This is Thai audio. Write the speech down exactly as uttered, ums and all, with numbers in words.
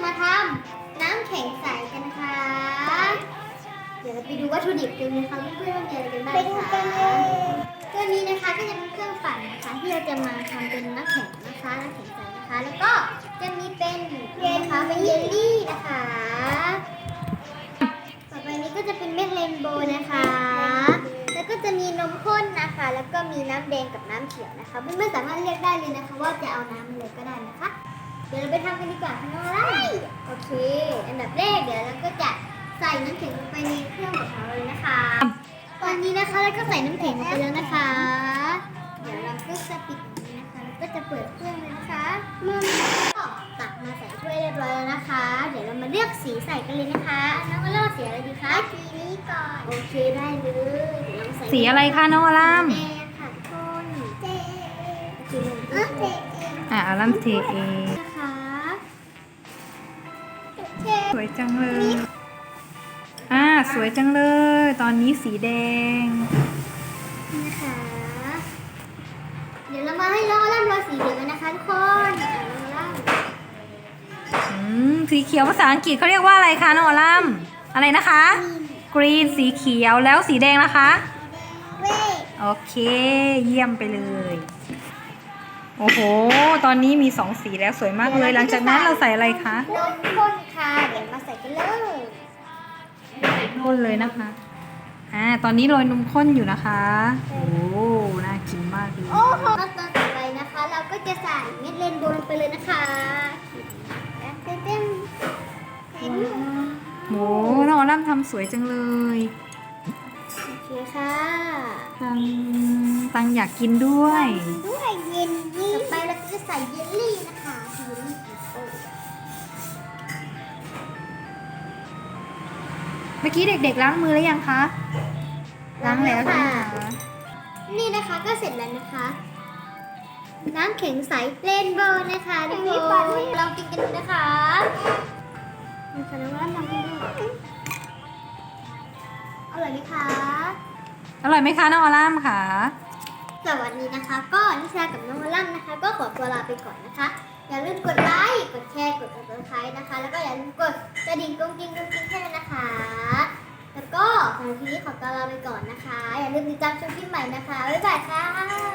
มาทำน้ำแข็งใสกันนะคะเดี๋ยวเราไปดูวัตถุดิบกันนะคะเพื่อนๆว่ามีอะไรกันบ้างคะตัวนี้นะคะก็จะเป็นเครื่องปั่นนะคะที่เราจะมาทำเป็นน้ำแข็งนะคะน้ำแข็งใสนะคะแล้วก็จะมีเป็นเยลนะคะเป็นเยลลี่นะคะต่อไปนี้ก็จะเป็นเม็ดเรนโบว์นะคะแล้วก็จะมีนมข้นนะคะแล้วก็มีน้ำแดงกับน้ำเขียวนะคะเพื่อนๆสามารถเลือกได้เลยนะคะว่าจะเอาน้ำอะไรก็ได้นะคะเดี๋ยวเราไปทำกันดีกว่าค่ะน้องอะไรโอเคอันดับแรกเดี๋ยวเราก็จะใส่น้ำแข็งลงไปในเครื่องของเราเลยนะคะตอนนี้นะคะเราก็ใส่น้ำแข็งลงไปแล้วนะคะเดี๋ยวเราก็จะปิดอย่างนี้นะคะแล้วก็จะเปิดเครื่องเลยนะคะมันก็ตักมาใส่ถ้วยเรียบร้อยแล้วนะคะเดี๋ยวเรามาเลือกสีใส่กันเลยนะคะน้องก็เลือกสีอะไรดีคะสีนี้ก่อนโอเคได้เลยเดี๋ยวเราใส่สีอะไรคะน้องอลัมแดงค่ะทุกคนเจเอเอเจเออ่ะอลัมเทเองนะคะเจสวยจังเลย อ่าสวยจังเลย ตอนนี้สีแดงนะคะ เดี๋ยวเรามาให้น้องร่ำรอยสีเหลืองกันนะคะทุกคนอ่ะน้องร่ำอืมสีเขียวภาษาอังกฤษเขาเรียกว่าอะไรคะน้องอลัมอะไรนะคะ กรีนสีเขียวแล้วสีแดงนะคะเว้ยโอเค เยี่ยมไปเลย โอ้โห ตอนนี้มีสองสีแล้วสวยมากเลย หลังจากนั้นเราใส่อะไรคะนมข้นค่ะเดี๋ยวมาใส่กันเลยข้นเลยนะคะ อ่า ตอนนี้โรยนมข้นอยู่นะคะ โอ้น่ากินมากเลยโอ้โหขั้นตอนต่อไปนะคะ เราก็จะใส่เม็ดเรนโบว์ลงไปเลยนะคะเต็มเต็มเต็มโหน้องอลัมทำสวยจังเลยโอเคค่ะตังตังอยากกินด้วยด้วยเยลลี่ต่อไปเราก็จะใส่เยลลี่นะคะเยลลี่โอ้เมื่อกี้เด็กๆล้างมือแล้วยังคะ ล้างแล้วใช่ไหมคะนี่นะคะก็เสร็จแล้วนะคะ น้ำแข็งใสเรนโบว์นะคะทุกคนลองกินกันดูนะคะนี่ค่ะน้องว่าลองกินดูอร่อยไหมคะอร่อยไหมคะน้องอลัมค่ะสวัสดีนะคะ ก็นิชากับน้องมาลั่นนะคะ ก็ขอตัวลาไปก่อนนะคะ อย่าลืมกดไลค์กดแชร์กด ซับสไครบ์นะคะ แล้วก็อย่าลืมกดกระดิ่งกรุ้งกริ้งกรุ้งกริ้งแค่นั้นนะคะ แล้วก็สำหรับทีนี้ขอตัวลาไปก่อนนะคะ อย่าลืมติดตามชมคลิปใหม่นะคะบ๊ายบายค่ะ